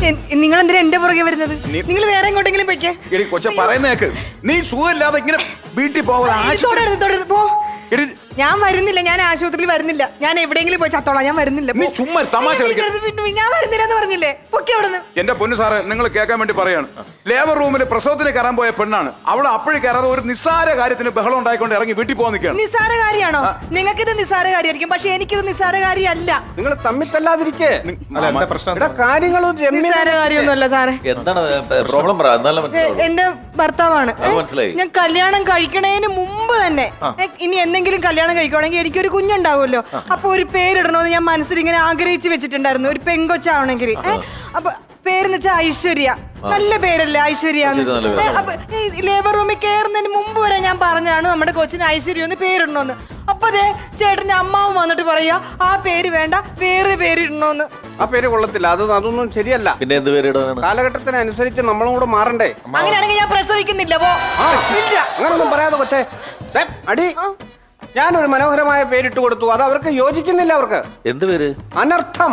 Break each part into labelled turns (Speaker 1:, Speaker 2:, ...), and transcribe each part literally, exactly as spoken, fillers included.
Speaker 1: നിങ്ങൾ എന്തിനാ എന്റെ പുറകെ വരുന്നത്? നിങ്ങൾ വേറെ എങ്ങോട്ടെങ്കിലും പൊയ്ക്കേ.
Speaker 2: കൊച്ച പറയുന്നേക്ക്. നീ സുഖമില്ലാതെ ഇങ്ങനെ വീട്ടിൽ
Speaker 1: പോവാ. ഞാൻ വരുന്നില്ല, ഞാൻ ആശുപത്രിയിൽ വരുന്നില്ല, ഞാൻ എവിടെയെങ്കിലും പോയി ചത്തോളാം, ഞാൻ വരുന്നില്ല.
Speaker 2: നീ ചുമ്മാ തമാശ
Speaker 1: ഞാൻ വരുന്നില്ല എന്ന് പറഞ്ഞില്ലേ? പൊക്കി അവിടുന്ന്.
Speaker 2: എന്റെ പൊന്നു സാറ്, നിങ്ങൾ കേൾക്കാൻ വേണ്ടി പറയാണ്. ലേബർ റൂമിൽ പ്രസവത്തിന് കയറാൻ പോയ പെണ്ണാണ്. അവൾ അപ്പോഴും കയറാതെ ഒരു നിസ്സാര കാര്യത്തിന് ബഹളം ഉണ്ടായിക്കൊണ്ട് ഇറങ്ങി വീട്ടിൽ പോകാൻ നിൽക്കുകയാണ്.
Speaker 1: നിസ്സാര കാര്യമാണോ? നിങ്ങൾക്ക് ഇത് നിസ്സാര കാര്യമായിരിക്കും, പക്ഷെ എനിക്കിത് നിസ്സാര കാര്യമല്ല.
Speaker 3: നിങ്ങൾ തമ്മിൽ തല്ലാതിരിക്കേ. കാര്യങ്ങളും
Speaker 1: നിസ്സാര കാര്യമൊന്നുമല്ല സാറേ.
Speaker 4: എന്താണ് പ്രോബ്ലം?
Speaker 1: എന്റെ ഭർത്താവാണ്. ഞാൻ കല്യാണം കഴിക്കണേന് മുമ്പ് തന്നെ ഇനി എന്തെങ്കിലും കല്യാണം കഴിക്കുവാണെങ്കിൽ എനിക്കൊരു കുഞ്ഞുണ്ടാവുമല്ലോ, അപ്പൊ ഒരു പേരിടണമെന്ന് ഞാൻ മനസ്സിൽ ഇങ്ങനെ ആഗ്രഹിച്ചു വെച്ചിട്ടുണ്ടായിരുന്നു, ഒരു പെങ്കൊച്ചാവണമെങ്കിൽ. അപ്പൊ പേരെന്ന് വെച്ചാൽ ഐശ്വര്യ. നല്ല പേരല്ലേ ഐശ്വര്യ? അപ്പൊ ലേബർ റൂമിൽ കയറുന്നതിന് മുമ്പ് വരെ ഞാൻ പറഞ്ഞാണ് നമ്മുടെ കൊച്ചിന് ഐശ്വര്യ ഒന്ന് പേരിടണോന്ന്. അപ്പൊ അതെ ചേട്ടന്റെ അമ്മാവും വന്നിട്ട് പറയാ ആ പേര് വേണ്ട, വേറെ പേര് ഇടണോന്ന്.
Speaker 3: ആ പേര് കൊള്ളത്തില്ല, അത് അതൊന്നും ശരിയല്ല.
Speaker 4: പിന്നെ എന്ത് പേര് ഇടാനാണ്?
Speaker 3: കാലഘട്ടത്തിനനുസരിച്ച് നമ്മളും കൂടെ മാറണ്ടേ?
Speaker 1: അങ്ങനെയാണെങ്കിൽ ഞാൻ പ്രസവിക്കുന്നില്ല.
Speaker 3: അങ്ങനൊന്നും പറയാതെ കൊച്ചേ. അടി, ഞാനൊരു മനോഹരമായ പേരിട്ട് കൊടുത്തു, അത് അവർക്ക് യോജിക്കുന്നില്ല. അവർക്ക്
Speaker 4: എന്ത് പേര്?
Speaker 3: അനർത്ഥം.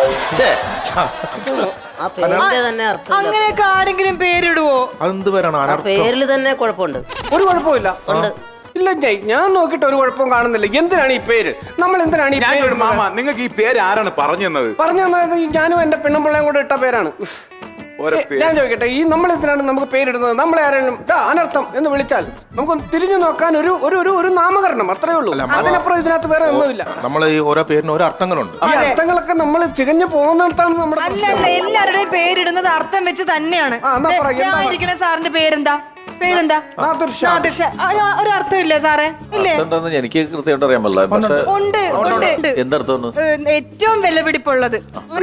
Speaker 1: അങ്ങനെയൊക്കെ ആരെങ്കിലും പേരിടുവോ?
Speaker 5: അതെന്ത് പേരാണ്?
Speaker 6: പേരിൽ തന്നെ കുഴപ്പമുണ്ട്.
Speaker 3: ഒരു കുഴപ്പമില്ല. ഇല്ല, ഞാൻ നോക്കിയിട്ട് ഒരു കുഴപ്പവും കാണുന്നില്ല. എന്തിനാണ് ഈ പേര്? നമ്മൾ എന്തിനാണ് ഈ പേര്?
Speaker 2: മാമ, നിങ്ങൾക്ക് ഈ പേര് ആരാണ് പറഞ്ഞു തന്നത്?
Speaker 3: പറഞ്ഞു തന്നത് ഞാനും എന്റെ പെണ്ണുമ്പിള്ളയും കൂടെ ഇട്ട പേരാണ്. ഞാൻ ചോദിക്കട്ടെ, ഈ നമ്മൾ എന്തിനാണ് നമുക്ക് പേരിടുന്നത്? നമ്മളെ ആരെങ്കിലും അനർത്ഥം എന്ന് വിളിച്ചാൽ നമുക്ക് തിരിഞ്ഞു നോക്കാൻ ഒരു ഒരു ഒരു നാമകരണം, അത്രേ ഉള്ളൂ. അതിനപ്പുറം ഇതിനകത്ത് വേറെ ഒന്നുമില്ല.
Speaker 5: നമ്മൾ ഈ ഓരോ പേരിന് ഓരോ അർത്ഥങ്ങളുണ്ട്.
Speaker 3: ഈ അർത്ഥങ്ങളൊക്കെ നമ്മൾ ചികഞ്ഞു പോകുന്നിടത്താണ് നമ്മുടെ.
Speaker 1: അല്ലല്ല, എല്ലാവരുടെയും പേരിടുന്നത് അർത്ഥം വെച്ച് തന്നെയാണ്. ഇരിക്കുന്ന സാറിന്റെ പേരെന്താ? പേരെന്താ? ഒരു അർത്ഥമില്ലേ സാറേ? ഇല്ലേ?
Speaker 4: എനിക്ക് കൃത്യമായിട്ട് അറിയാൻ പറ്റില്ല.
Speaker 1: ഉണ്ട്, ഉണ്ട്.
Speaker 4: എന്തർത്ഥം?
Speaker 1: ഏറ്റവും വിലപിടിപ്പുള്ളത്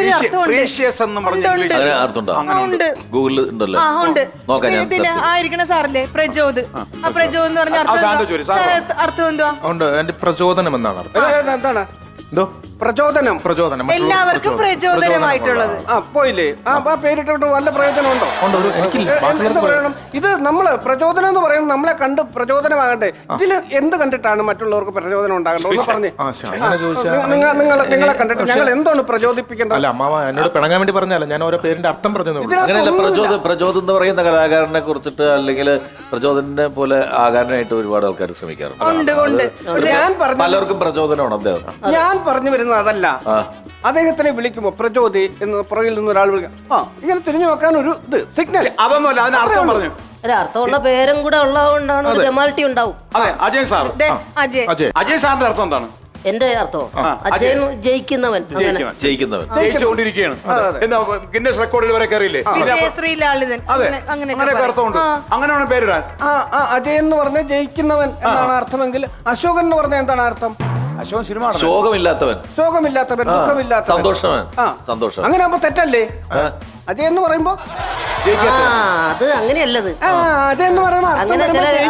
Speaker 4: ഗൂഗിളിൽ ഉണ്ടല്ലോ.
Speaker 1: ആയിരിക്കണ സാറല്ലേ പ്രചോദ്? ആ പ്രചോദ് എന്ന് പറഞ്ഞ അർത്ഥം എന്തുവാ?
Speaker 5: എന്റെ പ്രചോദനം എന്നാണ് അർത്ഥം.
Speaker 3: എന്താണ്
Speaker 5: പ്രചോദനം? പ്രചോദനം
Speaker 1: എല്ലാവർക്കും പ്രചോദനമായിട്ടുള്ളത്.
Speaker 3: ആ പോയില്ലേ? ആ പേരിട്ടോട്ട് വല്ല പ്രയോജനം ഉണ്ടോ? എന്താ പറയണം? ഇത് നമ്മള് പ്രചോദനം എന്ന് പറയുന്നത് നമ്മളെ കണ്ട് പ്രചോദനമാകണ്ടേ? ഇതിൽ എന്ത് കണ്ടിട്ടാണ് മറ്റുള്ളവർക്ക് പ്രചോദനം ഉണ്ടാകേണ്ടത്? ഒന്ന് പറഞ്ഞേ. നിങ്ങൾ നിങ്ങളെ കണ്ടിട്ട് ഞങ്ങൾ എന്താണ് പ്രചോദിപ്പിക്കേണ്ടത്?
Speaker 5: അല്ല അമ്മാവ, എന്നോട് പിണങ്ങാൻ വേണ്ടി പറഞ്ഞല്ല, ഞാൻ ഓരോ പേരിന്റെ അർത്ഥം പറഞ്ഞു.
Speaker 4: അങ്ങനെയല്ല, പ്രചോദ പ്രചോദം എന്ന് പറയുന്ന കലാകാരനെ കുറിച്ചിട്ട് അല്ലെങ്കിൽ പ്രചോദനെ പോലെ ആകാരനായിട്ട് ഒരുപാട് ആൾക്കാർ ശ്രമിക്കാറുണ്ട്.
Speaker 3: ഞാൻ പറഞ്ഞു
Speaker 4: പലർക്കും പ്രചോദനമാണ് അദ്ദേഹം.
Speaker 3: ഞാൻ പറഞ്ഞു വരുന്നത് അതല്ല. അദ്ദേഹത്തിനെ വിളിക്കുമ്പോ പ്രചോദി എന്ന് പുറകിൽ നിന്ന് ഒരാൾ വിളിക്കാം. ആ ഇങ്ങനെ തിരിഞ്ഞു നോക്കാൻ ഒരു ഇത് സിഗ്നൽ.
Speaker 2: അതൊന്നുമല്ല, അതിന് അർത്ഥം പറഞ്ഞു.
Speaker 6: അർത്ഥമുള്ള പേരും കൂടെ ഉള്ളതുകൊണ്ടാണ് ഒരു ജമാലിറ്റി ഉണ്ടാവും.
Speaker 2: അതെ, അജയ് സാർ. അജയ് സാറിന്റെ അർത്ഥം എന്താണ്?
Speaker 6: എന്റെ അർത്ഥം അജയൻ ജയിക്കുന്നവൻ.
Speaker 4: ജയിക്കുന്നവൻ
Speaker 2: ജയിച്ചുകൊണ്ടിരിക്കുകയാണ്. എന്താ ഗിന്നസ് റെക്കോർഡിൽ വരെ കയറിയില്ലേ? അങ്ങനെയൊക്കെ അർത്ഥമുണ്ട്. അങ്ങനെയാണ് പേരിടാൻ.
Speaker 3: അജയൻ എന്ന് പറഞ്ഞ ജയിക്കുന്നവൻ എന്നാണ് അർത്ഥമെങ്കിൽ അശോകൻ എന്ന് പറഞ്ഞ എന്താണ് അർത്ഥം?
Speaker 2: അശോകൻ സിനിമ
Speaker 4: ശോകമില്ലാത്തവൻ,
Speaker 3: ശോകമില്ലാത്തവൻ, ദുഃഖമില്ലാത്തവൻ,
Speaker 4: സന്തോഷവൻ. സന്തോഷം.
Speaker 3: അങ്ങനെ ആകുമ്പോ തെറ്റല്ലേ? അജയ് എന്ന് പറയുമ്പോ
Speaker 6: അത് അങ്ങനെയല്ലത്.
Speaker 3: അതെന്ന് പറയുമ്പോ അങ്ങനെ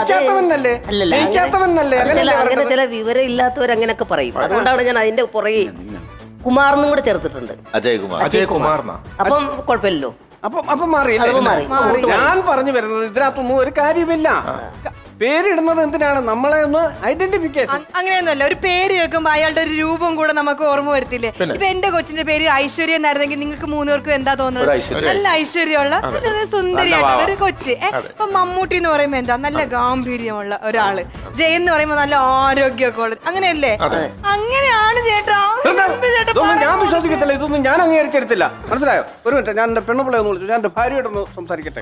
Speaker 6: ചില വിവരം ഇല്ലാത്തവർ അങ്ങനെയൊക്കെ പറയും. അതുകൊണ്ടാണ് ഞാൻ അതിന്റെ പുറകെ കുമാറിനും കൂടെ ചേർത്തിട്ടുണ്ട്.
Speaker 4: അജയ് കുമാർ.
Speaker 5: അജയ് കുമാർ.
Speaker 6: അപ്പം കുഴപ്പമില്ലല്ലോ.
Speaker 3: അപ്പം അപ്പം മാറിയില്ലേ? ഞാൻ പറഞ്ഞു വരുന്നത് ഇതിനകത്തൊന്നും ഒരു കാര്യമില്ല. പേരിടുന്നത് എന്തിനാണ്? നമ്മളെ ഒന്ന് ഐഡന്റിഫിക്കേഷൻ.
Speaker 1: അങ്ങനെയൊന്നുമല്ല, ഒരു പേര് കേൾക്കുമ്പോ അയാളുടെ ഒരു രൂപം കൂടെ നമുക്ക് ഓർമ്മ വരത്തില്ലേ? ഇപ്പൊ എന്റെ കൊച്ചിന്റെ പേര് ഐശ്വര്യ എന്നായിരുന്നെങ്കിൽ നിങ്ങൾക്ക് മൂന്നുപേർക്കും എന്താ തോന്നുന്നത്? നല്ല ഐശ്വര്യമുള്ള സുന്ദരിയായിട്ടുള്ള ഒരു കൊച്ച്. ഇപ്പൊ മമ്മൂട്ടി എന്ന് പറയുമ്പോ എന്താ? നല്ല ഗാംഭീര്യമുള്ള ഒരാള്. ജയൻ എന്ന് പറയുമ്പോ നല്ല ആരോഗ്യമൊക്കെ ഉള്ളത്. അങ്ങനെയല്ലേ? അങ്ങനെയാണ് ചേട്ടാ.
Speaker 3: ഞാൻ വിശ്വസിക്കത്തില്ല, ഇതൊന്നും ഞാൻ അംഗീകരിച്ചെടുത്തില്ല. മനസ്സിലായോ? ഒരു മിനിറ്റ്, ഞാൻ എന്റെ പെണ്ണുപിള്ളയെ ഒന്ന് വിളിച്ചു. ഞാൻ എന്റെ ഭാര്യയോടൊന്ന് സംസാരിക്കട്ടെ.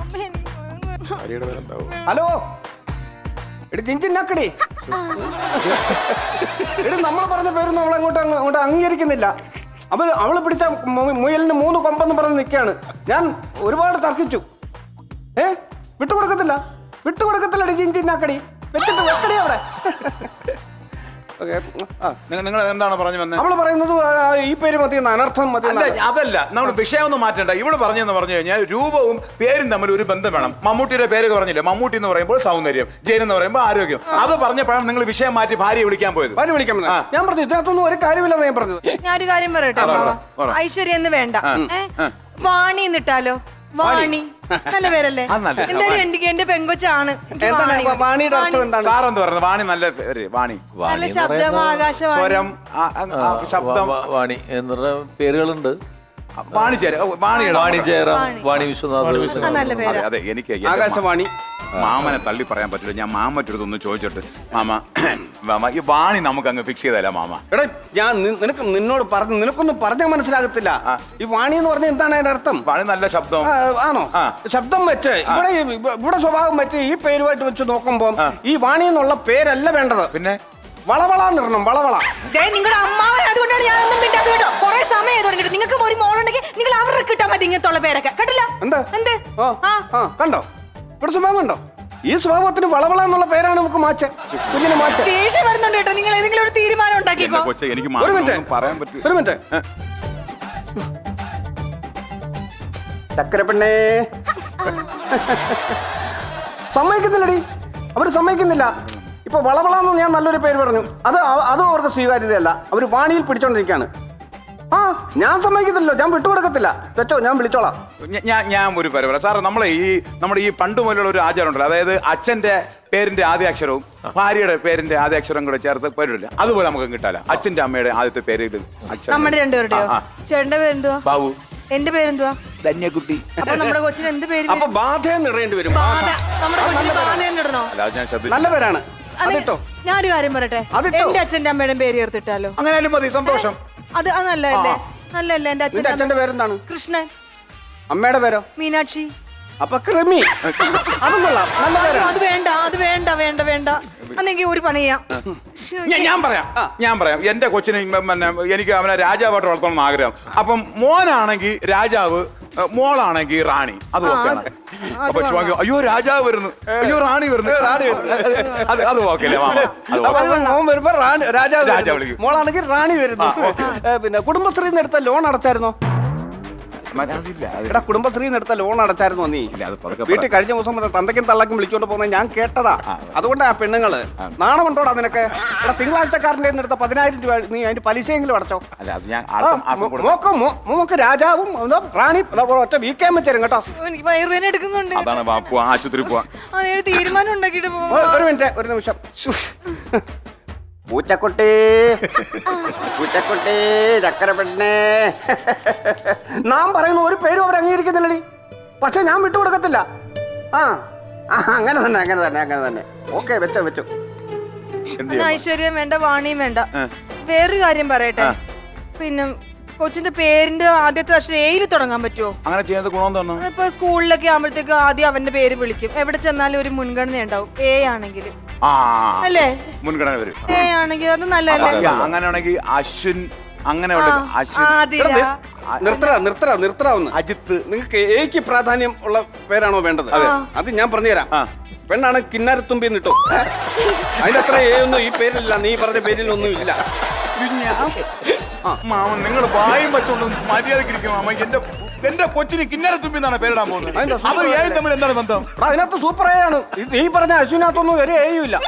Speaker 3: ഹലോ എടി ജിഞ്ചിന്നാക്കടി, എടി നമ്മൾ പറഞ്ഞ പേരൊന്നും അവളെ അങ്ങോട്ട് അങ്ങോട്ട് അംഗീകരിക്കുന്നില്ല. അവൾ അവള് പിടിച്ച മുയലിന് മൂന്ന് കൊമ്പെന്ന് പറഞ്ഞ് നിൽക്കുകയാണ്. ഞാൻ ഒരുപാട് തർക്കിച്ചു. ഏ വിട്ടുകൊടുക്കത്തില്ല, വിട്ടുകൊടുക്കത്തില്ലടി ജിഞ്ചിന്നാക്കടി. വെച്ചിട്ട് വെക്കടി അവിടെ.
Speaker 2: നിങ്ങൾ എന്താണ് പറഞ്ഞു വന്നത്?
Speaker 3: അവള് പറയുന്നത് ഈ പേര് മതി, അനർത്ഥം മതി.
Speaker 2: അതല്ല, നമ്മൾ വിഷയം ഒന്നും മാറ്റേണ്ട. ഇവിടെ പറഞ്ഞെന്ന് പറഞ്ഞു കഴിഞ്ഞാൽ രൂപവും പേരും തമ്മിൽ ഒരു ബന്ധം വേണം. മമ്മൂട്ടിയുടെ പേര് പറഞ്ഞില്ലേ? മമ്മൂട്ടി എന്ന് പറയുമ്പോൾ സൗന്ദര്യം, ജയൻ എന്ന് പറയുമ്പോൾ ആരോഗ്യം. അത് പറഞ്ഞപ്പോഴാണ് നിങ്ങൾ വിഷയം മാറ്റി ഭാര്യ വിളിക്കാൻ പോയത്.
Speaker 3: ഭാര്യ വിളിക്കാൻ ഞാൻ പറഞ്ഞു ഇതിനകത്തൊന്നും ഒരു കാര്യമില്ലെന്ന് ഞാൻ പറഞ്ഞത്.
Speaker 1: ഞാനൊരു കാര്യം പറയട്ടെ, ഐശ്വര്യ എന്ന് വേണ്ട, വാണി എന്നിട്ടാലോ? വാണി നല്ല പേരല്ലേ? എന്തായാലും എനിക്ക് എന്റെ പെങ്കൊച്ചാണ്.
Speaker 2: സാറെന്ത് പറയുന്നത്? വാണി നല്ല പേര്. വാണി
Speaker 1: നല്ല ശബ്ദം, ആകാശവാണി,
Speaker 2: സ്വരം, ശബ്ദം,
Speaker 4: വാണി എന്നുള്ള പേരുകളുണ്ട്.
Speaker 2: വാണിജ്യര വാണിയുടെ
Speaker 4: വാണി ജയറാം, വാണി വിശ്വനാഥ്.
Speaker 1: ആ, നല്ല പേരാ.
Speaker 2: അതെ അതെ എനിക്ക് എന്റെ
Speaker 3: ആകാശവാണി.
Speaker 2: മാമനെ തള്ളി പറയാൻ പറ്റില്ല. ഞാൻ മാമറ്റൊരുതൊന്ന് ചോദിച്ചിട്ട് മാമ മാമ ഈ വാണി നമുക്ക് അങ്ങ് ഫിക്സ് ചെയ്തല്ല മാമ.
Speaker 3: എടാ ഞാൻ നി- നിനക്ക് നിന്നോട് പറഞ്ഞു നിനക്കൊന്നും പറഞ്ഞാൽ മനസ്സിലാകത്തില്ല. ഈ വാണി എന്ന് പറഞ്ഞാൽ എന്താണ് അതിന്റെ അർത്ഥം?
Speaker 2: വാണി നല്ല ശബ്ദം.
Speaker 3: ആ, ആണോ?
Speaker 2: ആ.
Speaker 3: ശബ്ദം വെച്ച് ഇവിടെ ഈ- ഇവിടെ സ്വഭാവം വെച്ച് ഈ പേരുമായിട്ട് വെച്ച് നോക്കുമ്പോൾ ഈ വാണി എന്നുള്ള പേരല്ല വേണ്ടത്.
Speaker 2: പിന്നെ
Speaker 3: വളവളാന്നിടണം, വളവള.
Speaker 1: നിങ്ങളുടെ അമ്മാവൻ അതുകൊണ്ടാണ് ഞാനൊന്നും മിണ്ടാത്തത് കേട്ടോ. കുറെ സമയം തുടങ്ങിയിട്ട് നിങ്ങൾക്ക് ഒരു മോളുണ്ടെങ്കിൽ നിങ്ങൾ അവരുടെ കിട്ടാൻ മതി ഇങ്ങനത്തുള്ള പേരൊക്കെ കേട്ടില്ല.
Speaker 3: എന്താ
Speaker 1: എന്ത്
Speaker 3: ആ, ആ, കണ്ടോ ഇവിടെ സ്വഭാവം കണ്ടോ? ഈ സ്വഭാവത്തിന് വളവള എന്നുള്ള പേരാണ് നമുക്ക് മാച്ച കുഞ്ഞിന് മാച്ച.
Speaker 1: ദേഷ്യം വരുന്നുണ്ട് കേട്ടോ. നിങ്ങൾ ഏതെങ്കിലും ഒരു തീരുമാനം
Speaker 2: എന്റെ
Speaker 1: ഉണ്ടാക്കിക്കോ.
Speaker 2: കൊച്ചെ എനിക്ക്
Speaker 3: ഒരു
Speaker 2: മാമനൊന്നും
Speaker 3: മിനിറ്റ്
Speaker 2: പറയാൻ പറ്റില്ല.
Speaker 3: ഒരു മിനിറ്റ് ചക്കര പെണ്ണേ സമ്മതിക്കുന്നില്ലടി, അവര് സമ്മതിക്കുന്നില്ല. ഇപ്പൊ വളവളാന്ന് ഞാൻ നല്ലൊരു പേര് പറഞ്ഞു, അത് അവ- അതും അവർക്ക് സ്വീകാര്യതയല്ല. അവര് വാണിയിൽ പിടിച്ചോണ്ടിരിക്കാണ്. ആ ഞാൻ സമ്മതിക്കത്തില്ലോ, ഞാൻ വിട്ടുകൊടുക്കത്തില്ല. വെച്ചോ, ഞാൻ വിളിച്ചോളാം.
Speaker 2: ഞ- ഞാൻ ഞാൻ ഒരു പേര് പറയാം സാറേ. നമ്മളെ ഈ നമ്മുടെ ഈ പണ്ട് മുതലുള്ള ഒരു ആചാരം ഉണ്ടല്ലോ, അതായത് അച്ഛന്റെ പേരിന്റെ ആദ്യാക്ഷരവും ഭാര്യയുടെ പേരിന്റെ ആദ്യാക്ഷരവും കൂടെ ചേർത്ത് പേരിടില്ല. അതുപോലെ നമുക്ക് കിട്ടാല. അച്ഛന്റെ അമ്മയുടെ ആദ്യത്തെ പേര് ഇടും. അച്ഛൻ
Speaker 1: നമ്മുടെ രണ്ടുപേരുടെയോ?
Speaker 2: ആ, ആ.
Speaker 1: ചേട്ടന്റെ പേരെന്തുവാ?
Speaker 2: ബാബു.
Speaker 1: എന്റെ പേരെന്തുവാ?
Speaker 2: ധന്യക്കുട്ടി.
Speaker 1: അപ്പൊ നമ്മുടെ കൊച്ചിന് എന്ത് പേര്?
Speaker 3: അപ്പൊ ബാധയെന്ന് ഇടേണ്ടി വരും.
Speaker 1: ബാധ. നമ്മുടെ കൊച്ചിന് ബാധ തന്നെ ഇടണോ?
Speaker 2: അല്ല അത് ഞാൻ ശ്രദ്ധിച്ചു.
Speaker 3: നല്ല പേരാണ്,
Speaker 1: അതെ,
Speaker 3: അതിട്ടോ.
Speaker 1: ഞാനൊരു കാര്യം പറയട്ടെ.
Speaker 3: അതിട്ടോ.
Speaker 1: എന്റെ അച്ഛന്റെ അമ്മയുടെ പേര് ചേർത്തിട്ടാലോ?
Speaker 2: അങ്ങനെയാലും മതി, സന്തോഷം.
Speaker 1: അത് അത് നല്ലതല്ലേ? നല്ലല്ലേ? എന്റെ
Speaker 3: നിന്റെ
Speaker 1: അച്ഛന്റെ
Speaker 3: അച്ഛന്റെ പേരെന്താണ്?
Speaker 1: കൃഷ്ണൻ.
Speaker 3: അമ്മയുടെ പേരോ?
Speaker 1: മീനാക്ഷി.
Speaker 3: അപ്പൊ ക്രിമി. അതും കൊള്ളാം, നല്ല പേരാണ്.
Speaker 1: അത് വേണ്ട, അത് വേണ്ട, വേണ്ട, വേണ്ട. അന്നെങ്കിൽ ഒരു പണി ചെയ്യാം.
Speaker 2: ഞാൻ ഞാൻ പറയാം ഞാൻ പറയാം എന്റെ കൊച്ചിനെ ഇമ്മ- പിന്നെ എനിക്ക് അവനെ രാജാവായിട്ട് വളർത്തണം എന്ന് ആഗ്രഹം. അപ്പം മോനാണെങ്കിൽ രാജാവ്, ഏ, മോളാണെങ്കിൽ റാണി. അത് ഓക്കെയാണ്. അപ്പൊ ചോദിക്കും, അയ്യോ രാജാവ് വരുന്നു, അയ്യോ റാണി വരുന്നു, റാണി വരുന്നു. അത് അത് ഓക്കെ അല്ലേ മാമ? അത്
Speaker 3: അപ്പൊ
Speaker 2: okay.
Speaker 3: മോൻ വരുമ്പോ റാണി- രാജാവ്
Speaker 2: രാജാവ്
Speaker 3: വരുന്നു.
Speaker 2: വിളിക്കും.
Speaker 3: മോളാണെങ്കിൽ റാണി വരുന്നു. ഏ, പിന്നെ കുടുംബശ്രീന്ന് എടുത്ത ലോൺ അടച്ചായിരുന്നോ?
Speaker 2: മ- അതില്ല, അത്
Speaker 3: എടാ കുടുംബശ്രീന്ന് എടുത്ത ലോൺ അടച്ചായിരുന്നോ നീ?
Speaker 2: ഇല്ല, അത് പതുക്കെ
Speaker 3: വീട്ടിൽ കഴിഞ്ഞ ദിവസം മുതൽ തന്തയ്ക്കും തള്ളക്കും വിളിച്ചോണ്ട് പോകുന്നത് ഞാൻ കേട്ടതാ. അതുകൊണ്ടാ ആ പെണ്ണുങ്ങള് നാണമുണ്ടോടാ നിനക്ക്? എടാ തിങ്കളാഴ്ചക്കാരൻ്റെ എടുത്ത പതിനായിരം രൂപ നീ അതിന്റെ പലിശയെങ്കിലും അടച്ചോ.
Speaker 2: അല്ല അത് ഞാൻ
Speaker 3: ആ,
Speaker 2: അടുത്ത മാസം
Speaker 3: മോ-
Speaker 2: കൊടുക്കാം.
Speaker 3: മോക്ക് മോ- മോക്ക് രാജാവും അതോ റാണി അതോ ഒറ്റ വീക്കാൻ പറ്റും കേട്ടോ.
Speaker 1: എനിക്ക് വയറുവേന എടുക്കുന്നുണ്ട്.
Speaker 2: അതാണ് വാ, പോവാ, ആശുപത്രി പോവാ.
Speaker 1: അതൊരു തീരുമാനം ഉണ്ടാക്കിട്ട്
Speaker 3: ഒ-
Speaker 1: പോവാ.
Speaker 3: ഒരു മിനിറ്റ്, ഒരു നിമിഷം. പൂച്ചക്കുട്ടി, പൂച്ചക്കുട്ടി, ചക്കര പെണ്ണേ. നാം പറയുന്ന ഒരു പേരും അവർ അംഗീകരിക്കുന്നില്ലടി. പക്ഷെ ഞാൻ വിട്ടുകൊടുക്കത്തില്ല. ആ ആ, അങ്ങനെ തന്നെ അങ്ങനെ തന്നെ അങ്ങനെ തന്നെ. ഓക്കെ, വെച്ചോ വെച്ചോ.
Speaker 2: എന്ത്
Speaker 1: എന്നാ ഐശ്വര്യം വേണ്ട, വാണിയും വേണ്ട. വേറൊരു കാര്യം പറയട്ടെ. പിന്നെ കൊച്ചിന്റെ പേരിന്റെ ആദ്യത്തെ അക്ഷരം എയിൽ തുടങ്ങാൻ പറ്റുമോ?
Speaker 2: അങ്ങനെ ചെയ്യുന്നത് ഗുണം തന്നെ.
Speaker 1: ഇപ്പൊ സ്കൂളിലൊക്കെ ആകുമ്പോഴത്തേക്ക് ആദ്യം അവന്റെ പേര് വിളിക്കും. എവിടെ ചെന്നാലും ഒരു മുൻഗണന ഉണ്ടാവും. എ ആണെങ്കിൽ
Speaker 2: ആ
Speaker 1: അല്ലേ?
Speaker 2: മുൻഗണന വരും.
Speaker 1: എ ആണെങ്കിൽ അത് നല്ലതല്ലേ?
Speaker 2: അങ്ങനെയാണെങ്കിൽ അശ്വിൻ, അങ്ങനെ ഉണ്ട്. അശ്വിൻ,
Speaker 1: ആതിര.
Speaker 3: നിർത്തറ നിർത്തറ നിർത്തറാവുന്ന
Speaker 2: അജിത്ത്.
Speaker 3: നിങ്ങൾക്ക് എക്ക് പ്രാധാന്യം ഉള്ള പേരാണോ വേണ്ടത്? അത് ഞാൻ പറഞ്ഞുതരാം. പെണ്ണാണ് കിന്നാരത്തുമ്പി എന്നിട്ടോ. അതിന്റെ അത്ര എ ഒന്നും ഈ പേരിലില്ല, നീ പറഞ്ഞ പേരിലൊന്നും ഇല്ല.
Speaker 2: മാമൻ നിങ്ങൾ വായും വെച്ചോണ്ട് മര്യാദക്കിരിക്കും മാമ. എന്റെ എന്റെ കൊച്ചിന് കിന്നര തുമ്പി എന്നാണ് പേരിടാൻ പോകുന്നത്.
Speaker 3: അതിന്റെ
Speaker 2: അത് ഏഴും തമ്മിൽ എന്താണ് ബന്ധം?
Speaker 3: എടാ, അതിനകത്ത് സൂപ്പർ എ ആണ്. ഇത് ഈ പറഞ്ഞ അശ്വിനകത്തൊന്നും ഒരു എയും ഇല്ല.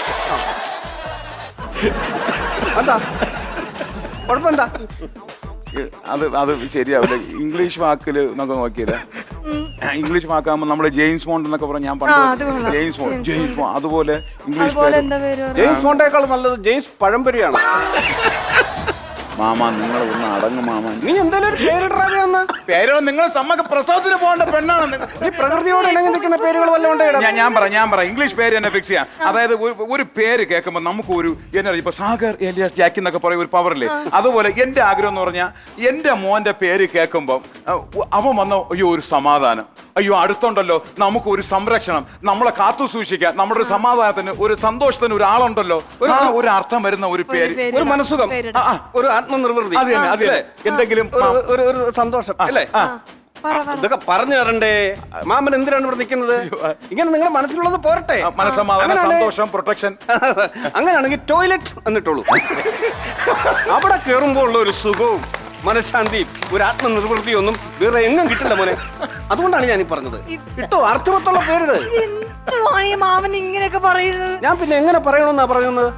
Speaker 3: എന്താ കുഴപ്പമെന്താ?
Speaker 2: അത് അത് ശരിയാവില്ല. ഇംഗ്ലീഷ് വാക്കില് നമുക്ക് നോക്കിയത് ഇംഗ്ലീഷ് വാക്കാകുമ്പോ നമ്മള് ജെയിംസ് ബോണ്ട് എന്നൊക്കെ പറഞ്ഞ ഞാൻ
Speaker 1: ആ, അത്
Speaker 2: പണ്ട്
Speaker 1: കൊള്ളാം.
Speaker 2: ജെയിംസ് ബോണ്ട് ജെയിംസ് ബോണ്ട് അതുപോലെ ഇംഗ്ലീഷ്
Speaker 1: അതുപോലെ
Speaker 2: പേര്.
Speaker 1: എന്താ പേര്?
Speaker 3: ജെയിംസ് ബോണ്ടേക്കാൾ നല്ലത് ജെയിംസ് പഴംപൊരിയാണ്.
Speaker 2: മാമ നിങ്ങൾ ഒന്ന് അടങ്ങ് മാമ.
Speaker 3: നീ എന്തായാലും ഒരു പേരിടാതെ ഒന്ന്.
Speaker 2: പേരോ നിങ്ങൾ സമ്മക്ക് പ്രസവത്തിന് പോകേണ്ട പെണ്ണാണ് നിങ്ങൾ.
Speaker 3: നീ പ്രകൃതിയോട് ഇണങ്ങി നിൽക്കുന്ന പേരുകൾ വല്ലതും ഉണ്ടോ?
Speaker 2: ഞാൻ ഞാൻ പറയാം ഞാൻ പറയാം ഇംഗ്ലീഷ് പേര് തന്നെ ഫിക്സ് ചെയ്യാം. അതായത് ഒരു- ഒരു പേര് കേൾക്കുമ്പോൾ നമുക്ക് ഒരു എന്നാ ഇപ്പൊ സാഗർ എലിയാസ് ജാക്കി എന്നൊക്കെ പറയും, ഒരു പവറില്ലേ. അതുപോലെ എന്റെ ആഗ്രഹം എന്ന് പറഞ്ഞാൽ എന്റെ മോന്റെ പേര് കേൾക്കുമ്പോൾ അവൻ വന്ന അയ്യോ ഒരു സമാധാനം, അയ്യോ അടുത്തുണ്ടല്ലോ നമുക്ക് ഒരു സംരക്ഷണം, നമ്മളെ കാത്തു സൂക്ഷിക്കാൻ, നമ്മുടെ ഒരു സമാധാനത്തിന് ഒരു സന്തോഷത്തിന് ഒരാളുണ്ടല്ലോ, ഒരു ഒരു അർത്ഥം വരുന്ന ഒരു പേര്,
Speaker 3: ഒരു മനസ്സുഖം,
Speaker 1: പേരിടാം.
Speaker 3: ആ, ആ, ഒരു ആത്മനിർവൃതി,
Speaker 2: അത് തന്നെ അത് തന്നെ. എന്തെങ്കിലും
Speaker 3: ഒരു- ഒരു ഒരു സന്തോഷം അല്ലേ?
Speaker 1: പറ, പറ.
Speaker 3: ഇതൊക്കെ പറഞ്ഞു തരണ്ടേ? മാമൻ എന്തിനാണ് ഇവിടെ നിൽക്കുന്നത്? ഇങ്ങനെ നിങ്ങളുടെ മനസ്സിലുള്ളത് പോരട്ടെ.
Speaker 2: മനസ്സമാധാനം,
Speaker 3: അങ്ങനെയാണെ-
Speaker 2: സന്തോഷം, പ്രൊട്ടക്ഷൻ.
Speaker 3: അങ്ങനെയാണെങ്കിൽ ടോയ്ലറ്റ് എന്നിട്ടുള്ളൂ. അവിടെ കയറുമ്പോൾ ഉള്ള ഒരു സുഖവും മനഃശാന്തിയും ഒരു ആത്മനിർവൃത്തിയും ഒന്നും വേറെ എങ്ങും കിട്ടില്ല മോനെ. അതുകൊണ്ടാണ് ഞാൻ ഈ പറഞ്ഞത്. കിട്ടോ അർത്ഥവത്തുള്ള പേരിട്.
Speaker 1: എന്തുവാണ് ഈ മാമൻ ഇങ്ങനെയൊക്കെ പറയുന്നത്?
Speaker 3: ഞാൻ പിന്നെ എങ്ങനെ പറയണമെന്നാ പറയുന്നത്?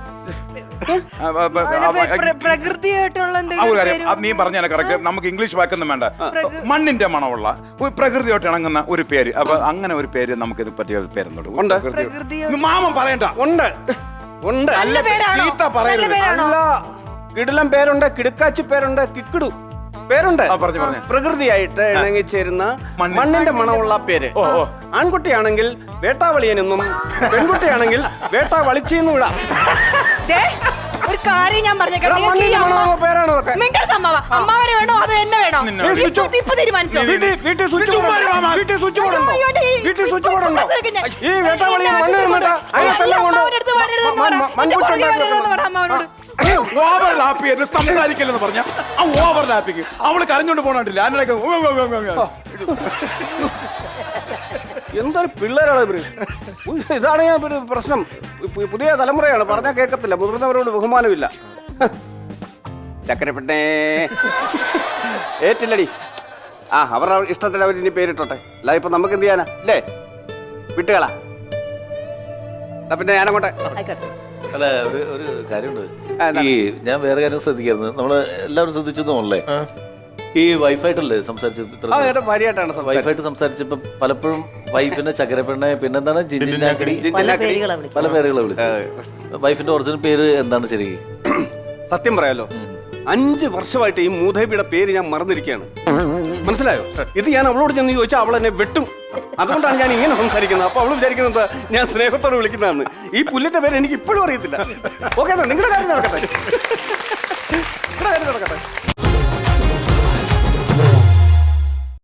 Speaker 1: അവന് പ്ര- പ്രകൃതിയായിട്ടുള്ള
Speaker 2: ആ ഒരു
Speaker 1: എന്തെങ്കിലും
Speaker 2: കാര്യം
Speaker 1: പേര്
Speaker 2: അത് നീ പറഞ്ഞാൽ കറക്റ്റ്. നമുക്ക് ഇംഗ്ലീഷ് വാക്കൊന്നും വേണ്ട. മണ്ണിന്റെ മണമുള്ള ഒരു പ്രകൃതിയോട്ട് ഇണങ്ങുന്ന ഒരു പേര്. അപ്പൊ അങ്ങനെ ഒരു പേര് നമുക്ക് ഇത് പറ്റിയ പേരെന്നോട്
Speaker 3: ഉണ്ട്.
Speaker 1: പ്രകൃതിയോ-
Speaker 2: മാമൻ പറയണ്ട.
Speaker 3: ഉണ്ട് ഉണ്ട്.
Speaker 1: നല്ല പേരാണോ?
Speaker 2: ചീത്ത
Speaker 1: നല്ല
Speaker 2: പറയരുത്.
Speaker 1: പേരാണോ?
Speaker 3: അല്ല, കിടിലം പേരുണ്ട്, കിടുക്കാച്ചി പേരുണ്ട്, കിക്കിടു. പേരുണ്ട്
Speaker 2: ആ, പറഞ്ഞോ, പറഞ്ഞോ.
Speaker 3: പ്രകൃതിയായിട്ട് ഇണങ്ങിച്ചേരുന്ന
Speaker 2: മണ്ണ്.
Speaker 3: മണ്ണിന്റെ മണമുള്ള പേര്.
Speaker 2: ഓ, ഓ.
Speaker 3: ആൺകുട്ടിയാണെങ്കിൽ വേട്ടാവളിയനെന്നും പെൺകുട്ടിയാണെങ്കിൽ വേട്ടാവളിച്ചെന്നും ഇടാം.
Speaker 1: ദേ, ഒരു കാര്യം ഞാൻ പറഞ്ഞേക്കാം.
Speaker 3: എടാ,
Speaker 1: നിങ്ങൾക്ക് ഈ
Speaker 3: മണ്ണിന്റെ
Speaker 1: അമ്മ-
Speaker 3: മണമുള്ള പേരാണ് ഇതൊക്കെ.
Speaker 1: മിണ്ടരുത് അമ്മാവ. അമ്മാവനെ വേണോ അത് എന്നെ വേണോ?
Speaker 2: നിന്നെ
Speaker 3: വേണം.
Speaker 1: ഇപ്പൊ ഇപ്പൊ തീരുമാനിച്ചോ?
Speaker 3: വീട്ടിൽ വീട്ടിൽ സ്വിച്ച് ബോർഡ് ഉണ്ടോ? വീട്ടിൽ സ്വിച്ച് ബോർഡ് ഉണ്ടോ?
Speaker 1: അയ്യോ, അയ്യോ, ഈ-
Speaker 3: വീട്ടിൽ സ്വിച്ച് ബോർഡ് ഉണ്ടോ?
Speaker 1: മനസ്സിലാക്കി ഞാൻ.
Speaker 3: ഈ വേട്ടാവളിയെ മണ്ണ് നിന്നിട്ട് അതിനകത്തെല്ലാം കൊണ്ട്
Speaker 1: അമ്മാവന്റെ അടുത്ത് വരരുതെന്ന് പറ. എന്റെ പുറകെ വരരുതെന്ന് പറ അമ്മാവനോട്.
Speaker 2: ഓവർ ലാപ്പ് ചെയ്ത് സംസാരിക്കില്ലെന്ന് പറഞ്ഞ ആ ഓവർ ലാപ്പിക്ക് അവള് കരഞ്ഞോണ്ട് പോണില്ല. അതിനിടയ്ക്ക് ഉവ്വ് ഉവ്വ് ഉവ്വ് ഉവ്വ്.
Speaker 3: എന്തൊരു പിള്ളേരാണ് ഇവര്. ഉയ്യ്, ഇതാണ് ഞാൻ ഒരു പ്രശ്നം. പു- പുതിയ തലമുറയാണ്, പറഞ്ഞാൽ കേൾക്കത്തില്ല. മുതിർന്നവരോട് ബഹുമാനമില്ല. ചക്കരപ്പെട്ടേ ഏറ്റില്ലടി. ആ അവരുടെ ഇഷ്ടത്തിൽ അവർ ഇനി പേരിട്ടോട്ടെ. അല്ല ഇപ്പൊ നമുക്ക് എന്ത് ചെയ്യാനാ അല്ലേ? വിട്ടുകളാ. എന്നാ പിന്നെ ഞാനങ്ങോട്ടെ.
Speaker 6: ആയിക്കോട്ടെ.
Speaker 4: അല്ല ഒരു ഒരു കാര്യമുണ്ട്.
Speaker 3: ആ, എന്താ?
Speaker 4: ഈ ഞാൻ വേറെ കാര്യം ശ്രദ്ധിക്കായിരുന്നു. നമ്മള് എല്ലാവരും ശ്രദ്ധിച്ചതുമല്ലേ, ഈ വൈഫായിട്ടല്ലേ സംസാരിച്ചത്?
Speaker 3: ആ ഏട്ടാ ഭാര്യയായിട്ടാണ് സംസാരിച്ചത്.
Speaker 4: വൈഫായിട്ട് സംസാരിച്ചപ്പോ പലപ്പോഴും വൈഫിനെ ചക്കരപ്പെണ്ണെ, പിന്നെന്താണ് ജിഞ്ചിനാക്കടി,
Speaker 6: പല പേരുകളാ വിളിക്കും.
Speaker 4: പല പേരുകളെ വിളിച്ചത്. വൈഫിന്റെ ഒറിജിനൽ പേര് എന്താണ് ശരിക്കും?
Speaker 3: സത്യം പറയാലോ, അഞ്ച് വർഷമായിട്ട് ഈ മൂധേബിയുടെ പേര് ഞാൻ മറന്നിരിക്കുകയാണ്. മനസ്സിലായോ? ഇത് ഞാൻ അവളോട് ചെന്ന് ചോദിച്ചാൽ അവൾ എന്നെ വെട്ടും. അതുകൊണ്ടാണ് ഞാൻ ഇങ്ങനെ സംസാരിക്കുന്നത്. അപ്പൊ അവള് വിചാരിക്കുന്നത് ഞാൻ സ്നേഹത്തോടെ വിളിക്കുന്നതാണ്. ഈ പുല്ലിന്റെ പേര് എനിക്ക് ഇപ്പോഴും അറിയത്തില്ല. ഓക്കെ, നിങ്ങളുടെ കാര്യം നടക്കട്ടെ. നിങ്ങളുടെ കാര്യം നടക്കട്ടെ.